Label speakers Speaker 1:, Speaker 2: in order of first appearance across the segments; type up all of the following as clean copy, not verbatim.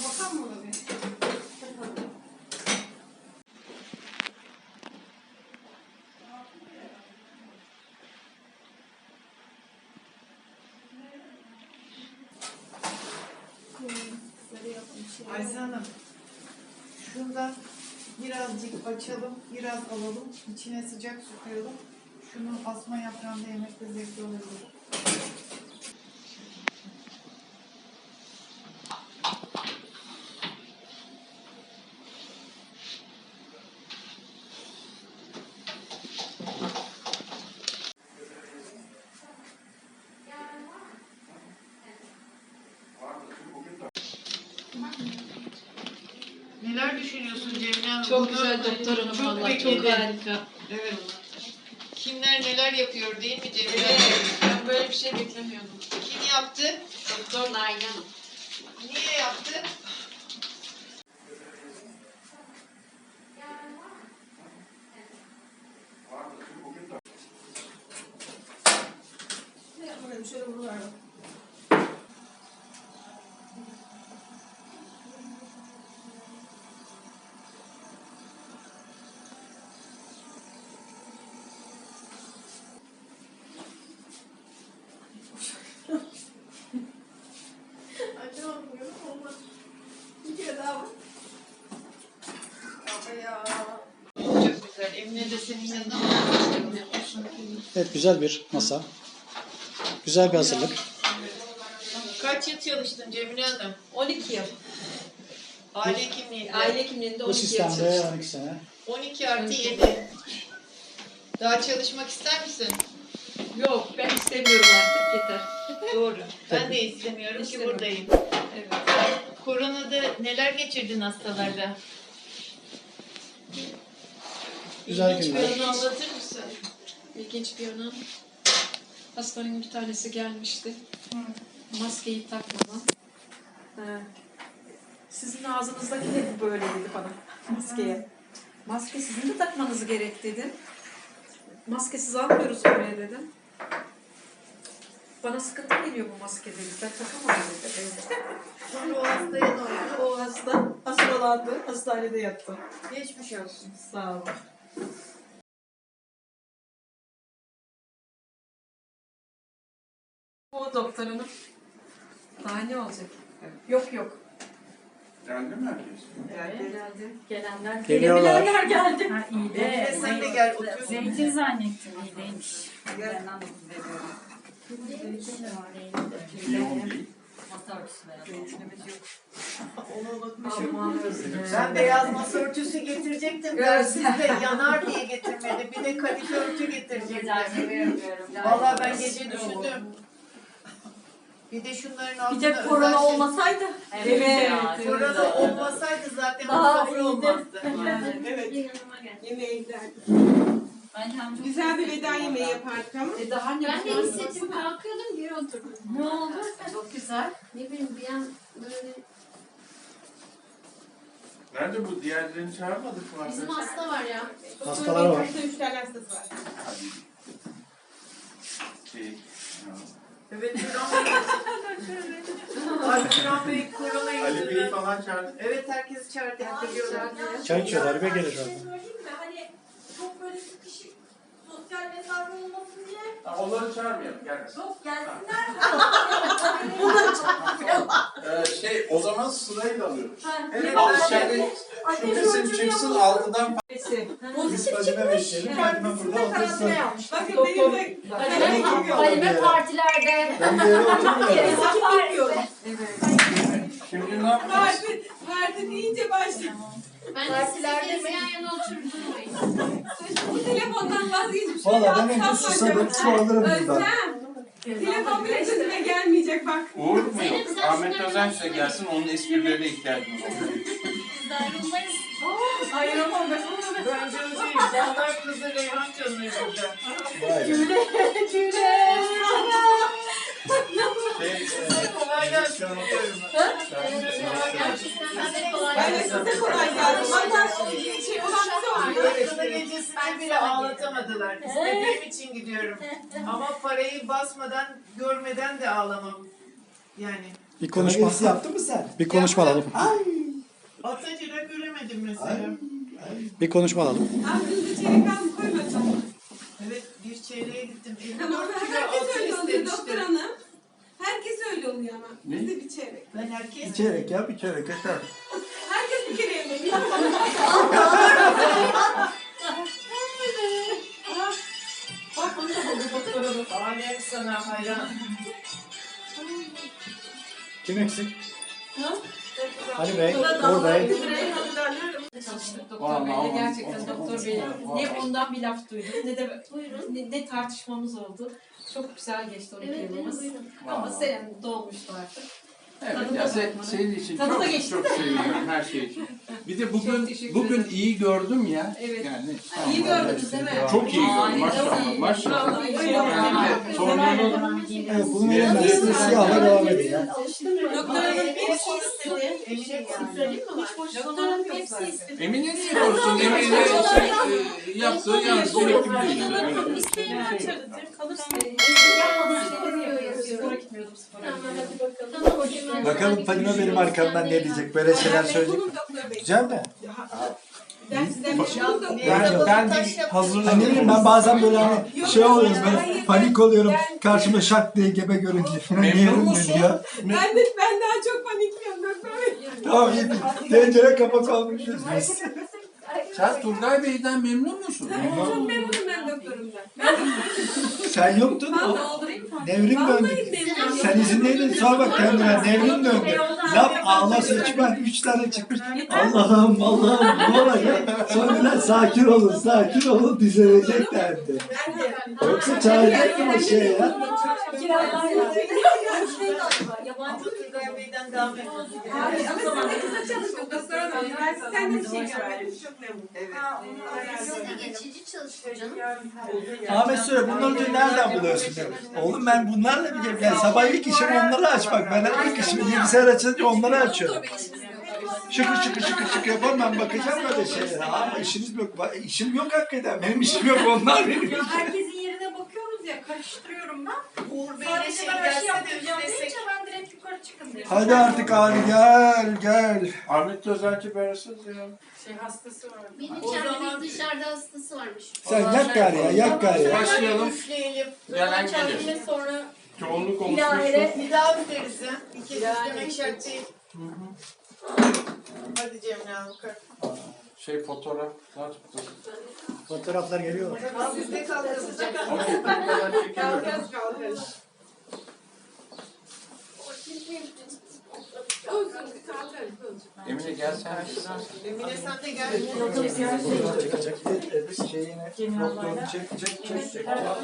Speaker 1: Bakan mı ona bir?
Speaker 2: Ayşe Hanım, şundan birazcık açalım, biraz alalım, içine sıcak su koyalım. Şunu asma yaprağında yemekte zevkli olabilir. Neler düşünüyorsun Cemile Hanım?
Speaker 3: Çok
Speaker 2: Bunu
Speaker 3: güzel doktor hanım.
Speaker 2: çok
Speaker 3: Vallahi çok
Speaker 2: bekledim.
Speaker 3: harika.
Speaker 2: Evet. Kimler neler yapıyor değil mi Cemile Hanım?
Speaker 3: Evet, ben böyle bir şey beklemiyordum.
Speaker 2: Kim yaptı?
Speaker 3: Doktor Nail Hanım.
Speaker 2: Niye yaptı?
Speaker 1: Şöyle vuruver bak. Açamadım görüyor musun? Olmaz. Bir kere daha bak. Baba ya.
Speaker 2: Çok güzel. Emine de senin yanında mı?
Speaker 4: Evet, güzel bir masa. Güzel bir hazırlık.
Speaker 2: Kaç yıl çalıştın Cemile Hanım?
Speaker 3: 12 yıl.
Speaker 2: Aile hekimliğinde.
Speaker 3: Aile hekimliğinde
Speaker 4: Bu
Speaker 3: 12 yıl
Speaker 4: sistemde
Speaker 3: çalıştım.
Speaker 4: 12 sene.
Speaker 2: 12 artı 7. Daha çalışmak ister misin?
Speaker 3: Yok, ben istemiyorum artık, yeter.
Speaker 2: Doğru. Ben de istemiyorum ki
Speaker 3: İstemiyorum.
Speaker 2: buradayım.
Speaker 3: Evet.
Speaker 2: Koronada neler geçirdin hastalarda?
Speaker 4: Güzel
Speaker 2: İlginç
Speaker 4: günler.
Speaker 2: bir anı anlatır mısın?
Speaker 3: İlginç bir yanı. Hastanın bir tanesi gelmişti. Maskeyi takmadan. Sizin ağzınızdaki de böyle dedi bana maskeye. Maske sizin de takmanız gerek dedim. Maskesiz almıyoruz oraya dedim. Bana sıkıntı geliyor bu maske dedi. Ben takamam dedi.
Speaker 2: Sonra o hastaya ne oldu?
Speaker 3: O hasta hastalandı. Hastanede yattı.
Speaker 2: Geçmiş olsun.
Speaker 3: Sağ olun. O doktorunun daha ne olacak? Yok yok.
Speaker 5: Geldi mi herkes?
Speaker 3: Geldi. Gelenler
Speaker 4: Geliyorlar.
Speaker 3: Gelebilenler geldi.
Speaker 6: Ha iyi de.
Speaker 2: Emine sen de gel otur.
Speaker 6: Zeytin zannettim iyi değilmiş.
Speaker 5: Yoğun değil.
Speaker 2: Onu unutmuşum.
Speaker 3: Aman özür
Speaker 2: Ben beyaz masa örtüsü getirecektim. Dersiz de yanar diye getirmedi. Bir de kadife örtü getirecektim. Vallahi ben gece düşündüm. Bir de şunların altına
Speaker 1: Bir de korona
Speaker 2: özel şey-
Speaker 1: olmasaydı.
Speaker 3: Evet.
Speaker 2: Korona olmasaydı zaten bu
Speaker 1: Daha
Speaker 2: sofra
Speaker 1: iyiydi.
Speaker 2: olmazdı.
Speaker 1: Evet.
Speaker 7: Yemeğe giderdik.
Speaker 6: Ben
Speaker 7: Güzel bir veda yemeği yapardık ama.
Speaker 3: Daha ne
Speaker 8: Ben de
Speaker 3: güzel.
Speaker 8: hissettim, kalkıyordum geri oturdum.
Speaker 1: Ne oldu?
Speaker 3: Çok güzel.
Speaker 8: Ne bileyim bir an böyle
Speaker 5: Nerede bu? Diğerlerini çağırmadık mı
Speaker 8: bizim
Speaker 5: arkadaşlar?
Speaker 8: hasta var ya.
Speaker 4: Hastalar var.
Speaker 7: Hafta 3 tane hastası var.
Speaker 5: Hadi. Şey, ya.
Speaker 2: Evet Turan Bey. Ay Turan Bey korona
Speaker 5: Ali Bey'i
Speaker 2: yüzünden.
Speaker 5: falan çağırdık.
Speaker 2: Evet herkesi çağırdık. Biliyorum.
Speaker 4: Çay içiyorlar, bir gelir orada.
Speaker 1: Söyleyeyim mi? Hani çok böyle sıkışık sosyal mesafe olmasın diye.
Speaker 5: Ha, onları çağırmayalım. Gelmesin.
Speaker 1: Yok gelsinler.
Speaker 5: O zaman sırayla alıyoruz.
Speaker 2: Evet,
Speaker 5: Al
Speaker 2: ben-
Speaker 5: içeride şu kısım çıksın altıdan
Speaker 1: Pozitif
Speaker 4: Fadime bekleyelim. Fadime burada otursun.
Speaker 7: Bakın benim de
Speaker 8: Halime partilerde.
Speaker 4: Ben bir yere oturmuyorum.
Speaker 5: Şimdi ne yapacağız?
Speaker 7: parti deyince başladım.
Speaker 8: Ben de
Speaker 1: Partilerde
Speaker 8: sizin
Speaker 1: mi?
Speaker 8: yan yana oturdurmayın.
Speaker 7: Bu telefondan vazgeçip şöyle
Speaker 4: Valla ben önce
Speaker 7: atsam
Speaker 4: susadım, su alırım buradan.
Speaker 7: Özlem. Telefon bile sözüme gelmeyecek bak.
Speaker 5: Uğur mu yok? Ahmet Özenç de gelsin, onun esprilerine ihtiyacımız var.
Speaker 8: Biz de ayrılmayız.
Speaker 1: Ayıramam ben.
Speaker 2: Bence o değil. Canlar kızı Reyhan canıyor burada.
Speaker 4: Vay be.
Speaker 2: Kolay gelsin.
Speaker 7: Ben de size kolay gelsin. Valla şey olan bize oldu.
Speaker 2: Kına gecesinde bile ağlatamadılar. İstediğim için gidiyorum. Ama parayı basmadan, görmeden de ağlamam. Yani
Speaker 4: Bir konuşma.
Speaker 9: Karagerisi yaptın mı sen?
Speaker 4: Bir konuşma alalım.
Speaker 9: Ay.
Speaker 2: Atacıra göremedim mesela.
Speaker 9: Ay.
Speaker 4: Bir konuşma alalım.
Speaker 7: Aklınızda çeyrek az koymadım.
Speaker 2: Evet bir çeyreğe gittim. 54
Speaker 7: Tamam,
Speaker 2: kilo
Speaker 7: herkes
Speaker 2: altı
Speaker 7: öyle oluyor doktor
Speaker 2: istemiştim.
Speaker 7: hanım. Herkes öyle oluyor ama. Bizde bir çeyrek.
Speaker 2: Ben herkes
Speaker 9: Bir çeyrek ya bir çeyrek yeter.
Speaker 7: Herkes bir kere yemek.
Speaker 2: Bak onu da buldu doktor hanım. Alem sana hayran.
Speaker 4: Kim eksik? Ali Bey, Uğur Bey.
Speaker 3: Çalıştık doktor
Speaker 5: Vallahi
Speaker 3: Bey'le.
Speaker 5: o-
Speaker 3: Gerçekten
Speaker 5: o-
Speaker 3: doktor
Speaker 5: o-
Speaker 3: Bey
Speaker 5: o-
Speaker 3: ne ondan bir laf duydum ne de ne tartışmamız oldu. Çok güzel geçti 12 yılımız. Ama senin dolmuştu artık.
Speaker 5: Evet
Speaker 3: Tadı
Speaker 5: ya
Speaker 3: da
Speaker 5: senin için
Speaker 3: Tadı da
Speaker 5: çok
Speaker 3: geçti,
Speaker 5: çok
Speaker 3: değil mi?
Speaker 5: seviyorum her şey için. Bir de
Speaker 3: Çok
Speaker 5: bugün
Speaker 3: teşekkür ederim.
Speaker 5: iyi gördüm ya.
Speaker 3: Evet.
Speaker 5: Yani
Speaker 3: İyi gördünüz değil mi?
Speaker 5: çok iyi gördüm
Speaker 3: Ay,
Speaker 5: maşallah
Speaker 3: evet.
Speaker 5: maşallah.
Speaker 3: Vallahi
Speaker 7: Öyle
Speaker 5: Yani torununun
Speaker 4: Evet, bunun elimizde siyahla devam ediyor. ya.
Speaker 7: Doktor hanım hepsi istedi.
Speaker 2: Eminim yani.
Speaker 7: Doktor hanım hepsi istedi.
Speaker 5: Emine niye olsun? Emine yaptığı yanlış bir eğitim değil.
Speaker 7: İsteğini açarız. Kalırsın.
Speaker 3: Spora gitmiyordum spora.
Speaker 9: Bakalım Fadime benim arkamdan ne diyecek? Böyle şeyler söyleyecek.
Speaker 7: Bunun doktor bey.
Speaker 9: Güzel mi?
Speaker 7: Ben sizden bir şey doktor.
Speaker 5: Ben bir hazırladım.
Speaker 9: Hani ne bileyim ben bazen böyle hani şey oluyorum böyle panik oluyorum. Karşıma şak diye gebe görünce falan
Speaker 5: Memnun
Speaker 9: yerim
Speaker 5: musun?
Speaker 9: ben ya.
Speaker 7: Ben daha çok panikliyorum doktor bey.
Speaker 9: Tamam iyi. Tencere kapak olmuşuz biz.
Speaker 5: Sen Turgay Bey'den memnun musun?
Speaker 7: Çok memnunum ben doktorumdan.
Speaker 9: Sen yoktun
Speaker 7: Ben
Speaker 9: o.
Speaker 7: doldurayım mı?
Speaker 9: Devrim döndü.
Speaker 7: Vallahi memnunum.
Speaker 9: Sen izindeydin sor bak kendine devrim döndü. Laf ağla seçmen 3 tane çıkmış. Allah'ım Allah'ım ne olacak? Sonra sakin olun düzelecek derdi. Yoksa çağıracak mı o şey ya?
Speaker 2: Yabancı Turgay Bey'den daha memnunum.
Speaker 7: Ama siz de kısa çalışın doktor hanım. Ben sizden de bir şey görmedim. Çok memnunum.
Speaker 2: Evet.
Speaker 8: Geçici çalışıyor canım.
Speaker 9: Ahmet söyle bunları diyor nereden buluyorsun diyor. Oğlum ben bunlarla bir gel. Yani sabah ilk işim onları açmak. Ben ilk işimi bilgisayar açınca onları açıyorum. Şıkır yaparım ben bakacağım böyle şeylere. Ama işiniz yok. İşim yok hakikaten. Benim işim yok onlar benim.
Speaker 1: Ya herkesin yerine bakıyoruz ya, karıştırıyorum ben.
Speaker 2: Uğur Bey'le
Speaker 1: Sadece
Speaker 2: şey
Speaker 1: ben aşı
Speaker 2: gelse de
Speaker 1: yaptıracağım
Speaker 2: üflesek.
Speaker 1: deyince ben direkt yukarı çıkın diyorum.
Speaker 9: Hadi artık abi gel.
Speaker 5: Ahmet Özelci Beresiz ya.
Speaker 8: Benim
Speaker 2: O
Speaker 8: içeride
Speaker 2: zaman-
Speaker 8: bir dışarıda hastası varmış.
Speaker 9: Sen yak gari ya.
Speaker 5: Başlayalım.
Speaker 2: Üfleyelim.
Speaker 5: Gelen
Speaker 1: Kendine
Speaker 5: gelir.
Speaker 1: sonra
Speaker 5: Çoğunluk
Speaker 1: ilahire
Speaker 5: oluşmuştur.
Speaker 2: Bir daha üfleriz ya. İki üflemek şart değil. Hadi Cemre Hanım kalk.
Speaker 5: Fotoğraflar tuttu.
Speaker 4: Fotoğraflar geliyor.
Speaker 2: Al sizde kalkacak.
Speaker 5: Ama fotoğraflar çekiyorum. Emine gel sen.
Speaker 2: Emine sen de gel.
Speaker 9: Doktorunu çek.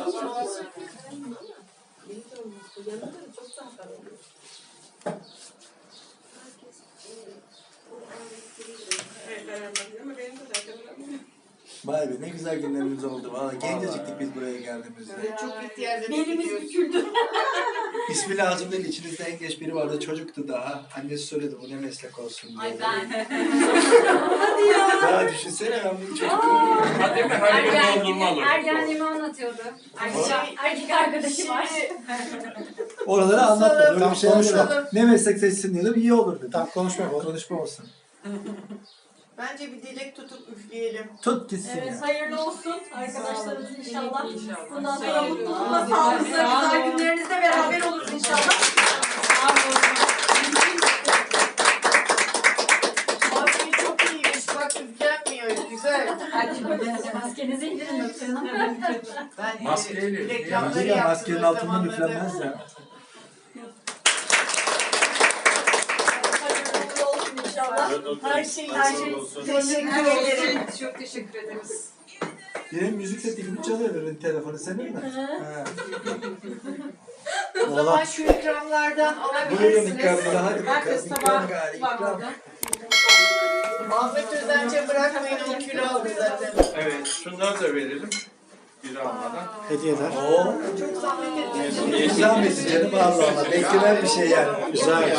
Speaker 9: Vay be ne güzel günlerimiz oldu. Valla genceciktik biz buraya geldiğimizde.
Speaker 2: Çok ihtiyarda
Speaker 1: belimiz
Speaker 2: gidiyoruz.
Speaker 1: büküldü.
Speaker 9: İsmi lazım değil. İçinizde en genç biri vardı. Çocuktu daha. Annesi söyledi bu ne meslek olsun diye.
Speaker 8: Ay ben.
Speaker 9: Ya düşünsene ben bunu çocuk.
Speaker 5: Hadi mi? Hayır doldurmalı.
Speaker 8: Ergenliğimi anlatıyordu. Erkek arkadaşı var.
Speaker 9: Oraları anlatma. Böyle
Speaker 4: Tamam,
Speaker 9: bir şeyler
Speaker 4: konuşma.
Speaker 9: yok. Ne meslek seçsin diyordum. İyi olur dedi.
Speaker 4: Tamam konuşma yapalım.
Speaker 9: Konuşma olsun.
Speaker 2: Bence bir dilek tutup üfleyelim.
Speaker 9: Tut gitsin
Speaker 1: Evet,
Speaker 9: ya.
Speaker 1: hayırlı olsun arkadaşlarımız inşallah. Bundan sonra
Speaker 3: Hayırlı
Speaker 1: mutlulukla,
Speaker 3: olsun.
Speaker 1: sağlıkla,
Speaker 3: Sağ
Speaker 1: güzel
Speaker 3: olun.
Speaker 1: günlerinizde beraber oluruz inşallah.
Speaker 2: Maske çok iyiymiş. Bak üflenmiyor. Güzel.
Speaker 8: Maskenizi indirin doktoruna.
Speaker 2: Ben
Speaker 5: Maskeyle.
Speaker 2: reklamları
Speaker 9: Bence de
Speaker 2: yaptım
Speaker 9: maskenin
Speaker 2: o
Speaker 9: altından
Speaker 2: zamanlarda.
Speaker 9: üflenmez ya.
Speaker 1: Hayırlı olsun inşallah. Her şey teşekkür
Speaker 3: Her
Speaker 1: ederim.
Speaker 3: şey çok teşekkür ederiz.
Speaker 9: Benim müzik setimi çalıyor benim telefonu senin mi? Ha.
Speaker 2: O zaman şu ikramlardan
Speaker 9: Buyurun
Speaker 2: alabilirsiniz.
Speaker 9: ikramları hadi
Speaker 3: Herkes
Speaker 9: bakalım.
Speaker 3: tabağı
Speaker 9: İkram gari
Speaker 3: var
Speaker 9: ikram.
Speaker 3: orada.
Speaker 2: Ahmet Özenç'e bırakmayın, o kilo aldı zaten.
Speaker 5: Evet, şunları da verelim. Bir almadan.
Speaker 4: Hediyeler.
Speaker 9: Oo.
Speaker 2: Çok zahmet ettiniz.
Speaker 9: Güzel mesaj canım Allah Allah. Beklenen bir şey yani. Güzel.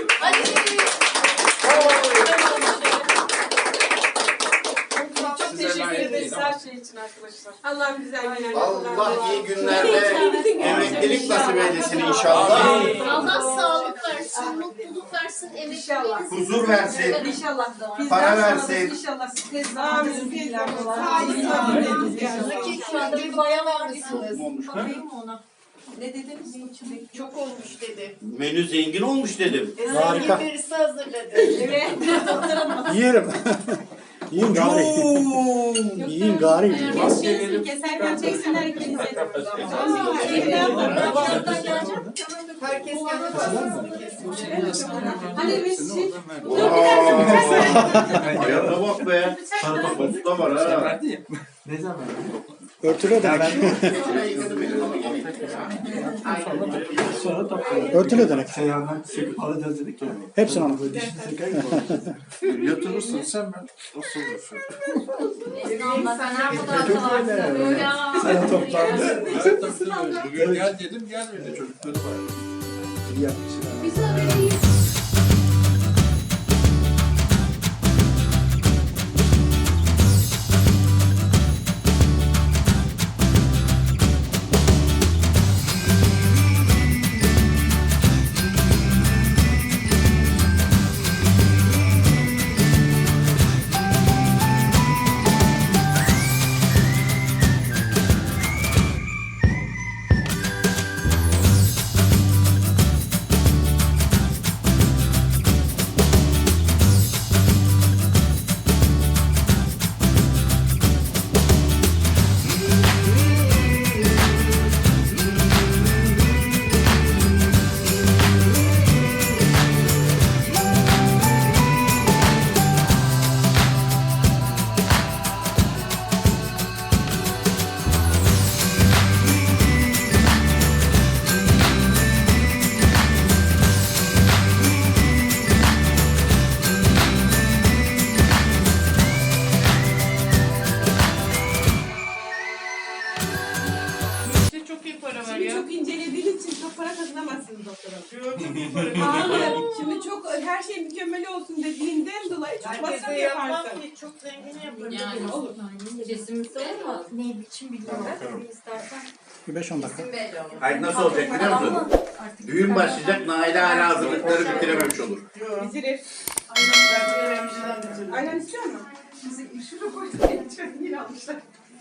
Speaker 7: Çok teşekkür ederiz her şey için arkadaşlar. Allah'ım güzel günler.
Speaker 5: Allah iyi günlerde emeklilik nasip eylesin inşallah.
Speaker 8: Allah sağlık versin.
Speaker 2: versin, mutluluk versin,
Speaker 7: İnşallah.
Speaker 2: emekleriniz
Speaker 10: Huzur versin.
Speaker 7: İnşallah.
Speaker 10: Para versin.
Speaker 7: İnşallah.
Speaker 1: Amin. Sağlık.
Speaker 2: Zeki şu anda bir bayan almışsınız.
Speaker 10: Olmuş mu?
Speaker 2: Bakayım mı ona? Ne dediniz? Çok olmuş dedi.
Speaker 10: Menü zengin olmuş dedim.
Speaker 4: Harika.
Speaker 2: Birisi hazırladı.
Speaker 7: Evet.
Speaker 4: Yiyelim. Yiyin gari. Yiyin gari.
Speaker 7: Keserken çeksinler ikinize.
Speaker 2: Herkes kendi parçasını kesin.
Speaker 7: Hadi biz şey.
Speaker 10: Ayağına bak be. Usta var ha.
Speaker 4: Örtülü ödenek. Örtülü ödenek.
Speaker 9: Seyhan'dan söküp alacağız dedik ya.
Speaker 4: Hepsini alın.
Speaker 5: Yatırırsın sen ben. Nasıl olursun?
Speaker 9: Sen toplandı.
Speaker 5: Evet tabii. Bugün gel dedim gelmedi çocukları var.
Speaker 9: İyi yapmışsın.
Speaker 1: İşte çok iyi para var
Speaker 7: Şimdi
Speaker 1: ya.
Speaker 7: çok incelediğiniz için çok para kazanamazsınız doktorum.
Speaker 1: Çok iyi para.
Speaker 7: Hayır. Şimdi çok her şey mükemmel olsun dediğinden dolayı çok masraf
Speaker 2: Herkese yapmam
Speaker 7: yaparsın.
Speaker 2: ki çok zengin yaparım.
Speaker 6: Yani olur. Kesinlikle olmaz.
Speaker 8: Ne biçim biliyorum. İstersen.
Speaker 4: Bir 5-10 dakika.
Speaker 10: Hayır nasıl olacak biliyor musun? Düğün başlayacak, Naile hala hazırlıkları bitirememiş olur.
Speaker 7: Bitirir.
Speaker 1: Ben de hemşireden bitirdim.
Speaker 7: Aynen istiyor mu? Bizi şuraya koyduk. Yine almışlar.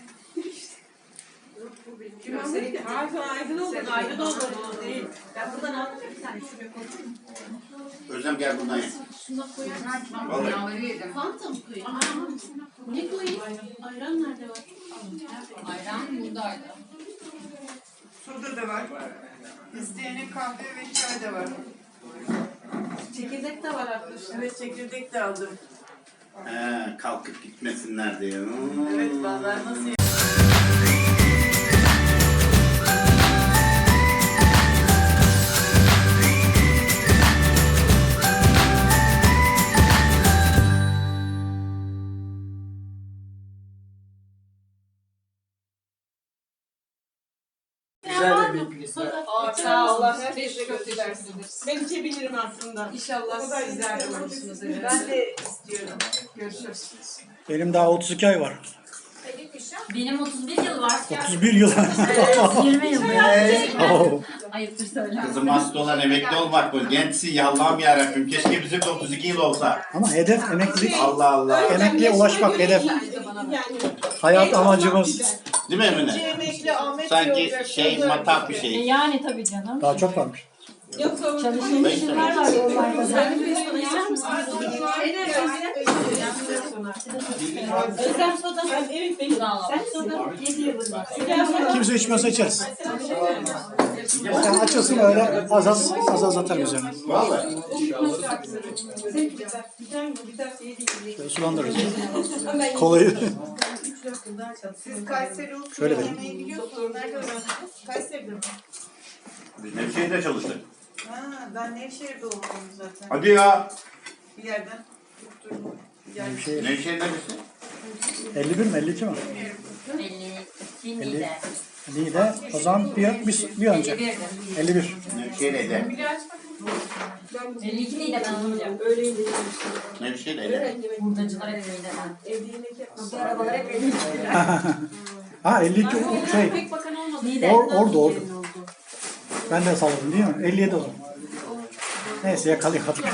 Speaker 7: Ağzı aydın oldu.
Speaker 1: Aydın oldu değil. Ben buradan aldım ya bir tane şuraya koydum.
Speaker 10: Özlem gel buradan ye.
Speaker 2: Şuna koyar mısın?
Speaker 10: Vallahi.
Speaker 2: Fanta mı koyayım? Ne koyayım? Ayran nerede var?
Speaker 6: Ayran buradaydı.
Speaker 1: Soda da var. İsteyene kahve ve çay da var.
Speaker 7: Çekirdek de var arkadaşlar.
Speaker 1: Evet çekirdek de aldım.
Speaker 10: He, kalkıp gitmesinler diye.
Speaker 1: Evet vallahi nasıl
Speaker 9: Güzel bir piknik.
Speaker 7: Sağ Allah herkese göstersin. Ben içebilirim aslında. İnşallah
Speaker 1: O kadar
Speaker 7: sizler de
Speaker 1: güzel
Speaker 7: olursunuz.
Speaker 1: Ben de istiyorum.
Speaker 7: Görüşürüz.
Speaker 4: Benim daha 32 ay var.
Speaker 6: Benim 31 yıl var.
Speaker 4: 31 yıl.
Speaker 6: 20 yıl
Speaker 4: Oo.
Speaker 6: Ayıptır söyler.
Speaker 10: Kızım hasta olan emekli olmak bu. Gençsin ya Allah'ım yarabbim. Keşke bizim de 32 yıl olsa.
Speaker 4: Ama hedef emeklilik.
Speaker 10: Allah Allah.
Speaker 4: Emekliye ulaşmak hedef.
Speaker 7: Yani
Speaker 4: Hayat amacımız.
Speaker 10: Değil mi Emine?
Speaker 2: Emekli Ahmet
Speaker 10: Sanki
Speaker 2: olacak,
Speaker 10: şey
Speaker 2: şurada
Speaker 10: matah bir şey.
Speaker 6: Yani tabii canım.
Speaker 4: Daha çok varmış.
Speaker 7: yoksa o
Speaker 6: Çalışanlar var yollarda.
Speaker 7: Sen bir soda ister misin? Özlem soda. Evet benim. Sen soda. 7 yılın var.
Speaker 4: Kimse içmiyorsa içeriz. Yani açılsın öyle az az atarım üzerine.
Speaker 10: Vallahi.
Speaker 4: Şöyle sulandırırız. Kolayı.
Speaker 2: Siz Kayseri usulü
Speaker 4: Şöyle verin.
Speaker 2: yemeği biliyorsunuz. Nerede öğrendiniz? Kayseri'de mi?
Speaker 10: Biz Nevşehir'de çalıştık.
Speaker 2: Ha, ben Nevşehir'de doğdum zaten.
Speaker 10: Hadi ya.
Speaker 2: Bir yerden tutturdum.
Speaker 4: Nevşehir.
Speaker 10: Nevşehir neresi?
Speaker 4: 51 mi 52 mi?
Speaker 6: 52 Niğde.
Speaker 4: Niğde. O zaman bir önce.
Speaker 6: 51'di.
Speaker 4: 51.
Speaker 10: Nevşehir'de.
Speaker 6: 52 Niğde ben olacağım.
Speaker 10: Nevşehir'de.
Speaker 6: Hurdacılar hep Niğde'den. Bu arabalar hep 52.
Speaker 4: Ha 52 şey.
Speaker 7: Pek bakan olmadı.
Speaker 6: Niğde.
Speaker 4: Ordu. Ben de salladım değil mi? 57 o zaman. Neyse yakalayamadık.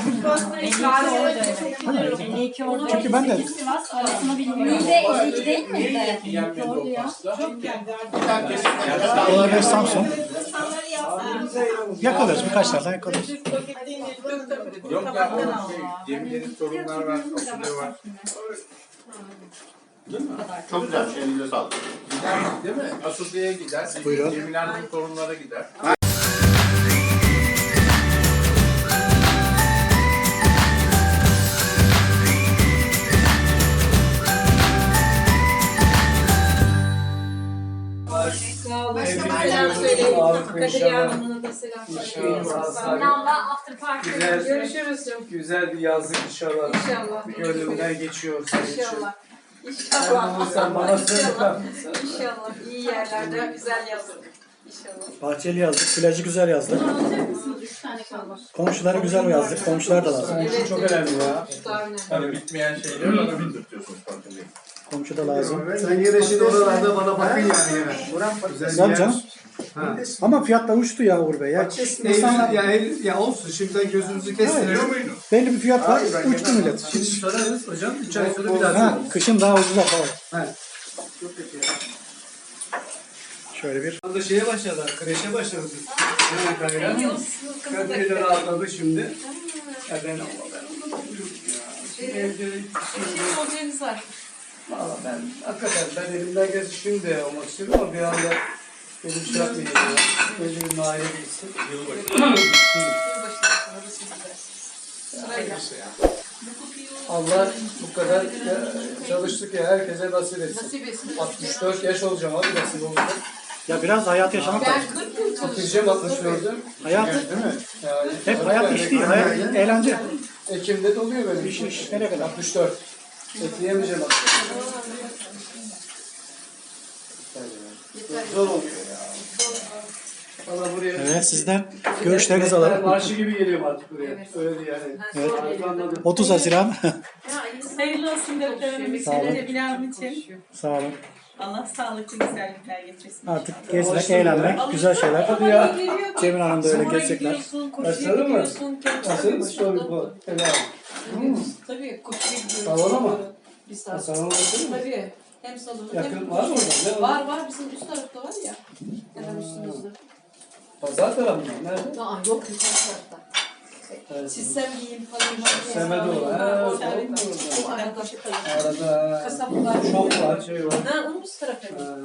Speaker 8: 52 oldu.
Speaker 4: Çünkü ben de
Speaker 8: Sivas arasını bilmiyorum. Bir de 52 değil miydi?
Speaker 5: Yenmedi o pasta.
Speaker 4: olabilir Samsun. Yakalıyoruz birkaç tane yakalıyoruz.
Speaker 5: Yok ya o Cemile'nin torunlar var, fasulye var. Değil mi?
Speaker 10: Çok güzel. Elinize sağlık.
Speaker 5: Gider değil mi? Asude'ye gider.
Speaker 4: Buyurun.
Speaker 5: Cemile Hanım'ın torunlara gider.
Speaker 3: Sağ olun.
Speaker 9: Evlilik
Speaker 3: Selam söyleyin.
Speaker 9: sağlık
Speaker 3: Kadir
Speaker 9: inşallah.
Speaker 3: Hanım'ına da selam söyleyin.
Speaker 9: İnşallah.
Speaker 8: Namba after party.
Speaker 9: Güzel,
Speaker 3: Görüşürüz canım.
Speaker 9: güzel bir yazlık inşallah.
Speaker 3: İnşallah.
Speaker 9: Gönlümden geçiyor senin için.
Speaker 3: İnşallah.
Speaker 9: Sen
Speaker 3: İnşallah.
Speaker 9: bulursan bana söyle.
Speaker 3: İnşallah. İyi yerlerde güzel yazın. İnşallah.
Speaker 4: Bahçeli yazdık, plajı güzel yazdık. Komşuları güzel yazdık, komşular da lazım.
Speaker 9: Senin için çok önemli ya.
Speaker 3: Daha önemli.
Speaker 5: Tabii bitmeyen şeyleri bana bildirtiyorsunuz farkındayım.
Speaker 4: Komşu da lazım.
Speaker 9: Sen yine şimdi oralarda bana bakın yani yine.
Speaker 4: Güzel canım. Ama fiyatlar uçtu ya Uğur Bey. Ya,
Speaker 9: Eylül, ya olsun şimdi sen gözünüzü kestirelim.
Speaker 4: belli bir fiyat var, uçtu millet.
Speaker 9: Şimdi sorarız hocam. 3 ay sonra bir daha
Speaker 4: Ha,
Speaker 9: sorarız.
Speaker 4: kışın daha ucuza falan.
Speaker 9: He. Çok kötü ya.
Speaker 4: Şöyle bir.
Speaker 9: Orada şeye başladılar, kreşe başladı. Hemen kayra. Kadir'le rahatladı şimdi. Ya ben anlamadım ya. Şimdi evde
Speaker 3: Modeliniz var.
Speaker 9: valla ben hakikaten ben elimden gelse şimdi de olmak istiyorum ama bir anda benim şey yapmayayım ya. Önce bir mahalle gitsin.
Speaker 3: Yılbaşından sonra siz gidersiniz. Sırayla.
Speaker 9: Allah bu kadar çalıştık ya herkese nasip etsin.
Speaker 3: Nasip etsin.
Speaker 9: 64 yaş olacağım abi nasip olacak.
Speaker 4: Ya biraz hayat yaşamak lazım.
Speaker 3: Ben 40 yıl çalıştım.
Speaker 9: Bitireceğim 64'ü.
Speaker 4: Hayat,
Speaker 9: Değil mi? Yani
Speaker 4: hep hayat iş değil, hayat eğlence.
Speaker 9: Ekim'de doluyor benim.
Speaker 4: İş nereye kadar?
Speaker 9: 64. Ekleyemeyeceğim aslında. Zor oluyor ya. Valla buraya...
Speaker 4: Evet, sizden görüşlerinizi alalım.
Speaker 9: Marşı gibi geliyorum artık buraya.
Speaker 3: Evet.
Speaker 9: Öyle değil yani.
Speaker 4: Evet.
Speaker 9: Anladım.
Speaker 4: 30 Haziran.
Speaker 7: Hayırlı olsun doktorumuz
Speaker 4: Sağ olun.
Speaker 7: için, Cemile Hanım için.
Speaker 4: Sağ olun.
Speaker 7: Allah sağlıklı güzellikler getirsin.
Speaker 4: Artık gezmek, eğlenmek, güzel şeyler.
Speaker 9: Hadi ya.
Speaker 4: Cemil Hanım da öyle gezecekler.
Speaker 9: Başladı mı? Nasıl? Sorry bu. Helal.
Speaker 3: Tabii koşuya gidiyoruz.
Speaker 9: Salona mı?
Speaker 3: Bir saat.
Speaker 9: Salona bakıyor mu?
Speaker 3: Tabii. Hem salonu
Speaker 9: Yakın
Speaker 3: hem
Speaker 9: var mı orada? Ne
Speaker 3: Var bizim üst tarafta var ya. Hemen üstümüzde.
Speaker 9: Pazar tarafı mı? Nerede?
Speaker 3: Aa yok yukarı tarafta.
Speaker 9: Evet.
Speaker 3: Çizsem giyeyim falan.
Speaker 9: Seme doğru. Ha,
Speaker 3: O arada.
Speaker 9: arada
Speaker 3: Kasap var.
Speaker 9: şok var, şey var.
Speaker 3: Ha onun üst tarafı.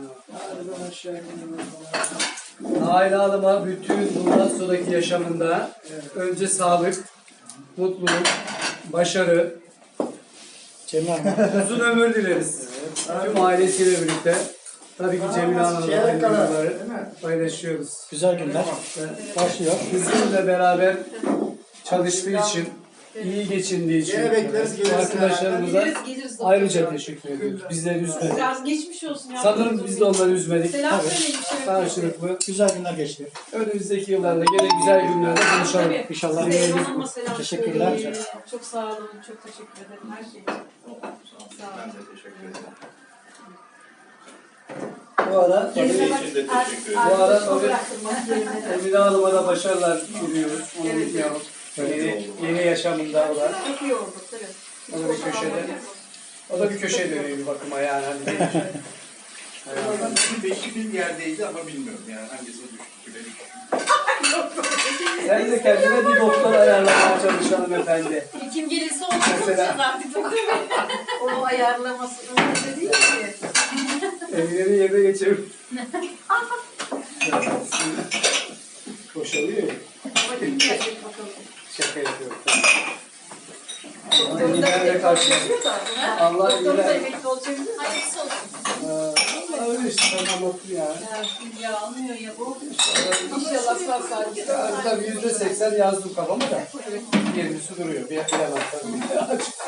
Speaker 9: Nail Hanım'a bütün bundan sonraki yaşamında önce sağlık, mutluluk, başarı,
Speaker 4: Cemil Hanım.
Speaker 9: uzun ömür dileriz. Tüm ailesiyle birlikte. Tabii ki Cemile Hanım'la aynı duyguları paylaşıyoruz.
Speaker 4: Güzel günler başlıyor.
Speaker 9: Bizimle beraber çalıştığı için, iyi geçindiği için arkadaşlarımıza
Speaker 3: Geliriz.
Speaker 9: ayrıca teşekkür ediyoruz. Bizleri üzmedik.
Speaker 3: Biraz geçmiş olsun ya.
Speaker 9: Sanırım biz de onları üzmedik.
Speaker 3: Selam
Speaker 4: Tabii.
Speaker 3: söyleyin.
Speaker 9: Karşılıklı.
Speaker 4: Güzel günler geçti.
Speaker 9: Önümüzdeki yıllarda gene güzel günlerde konuşalım.
Speaker 3: Tabii.
Speaker 4: İnşallah.
Speaker 3: Süleyman Hanım'a selam
Speaker 4: Teşekkürler.
Speaker 3: söyleyin. Çok sağ olun. Çok teşekkür ederim her şey için. Çok sağ olun.
Speaker 5: Ben de teşekkür ederim.
Speaker 9: Bu ara tabii,
Speaker 10: Sizin için de teşekkür ederim.
Speaker 9: bu ara tabii
Speaker 3: Bıraktırmak yerine.
Speaker 9: Emine Hanım'a da başarılar diliyoruz. Onu unutmayalım. Yeni yaşamında o da.
Speaker 3: Çok iyi oldu tabii.
Speaker 9: O da bir köşede. O da bir köşeye dönüyor bir bakıma yani. Hani
Speaker 5: Adamın beşi bir yerdeydi ama bilmiyorum yani hangisine düştü benim.
Speaker 9: sen de kendine bir doktor ayarlamaya çalış hanımefendi.
Speaker 3: Kim gelirse onu
Speaker 9: Mesela.
Speaker 3: konuşacağız artık. Onu ayarlaması öyle değil ki.
Speaker 9: Emine'nin yerine geçelim. Boşalıyor ya.
Speaker 3: Ama kim gelecek bakalım.
Speaker 9: Şaka yapıyorum. Emine'yle karşılaştık. Allah
Speaker 3: Doktoru da
Speaker 9: iyiler.
Speaker 3: emekli olacak. Hayırlısı olsun.
Speaker 9: Öyle işte ben anlattım yani.
Speaker 3: Ya anlıyor ya bu. İnşallah sağ salim.
Speaker 9: Tabii %80 yazdım kafama da. Gerisi duruyor. Bir bilemem tabii.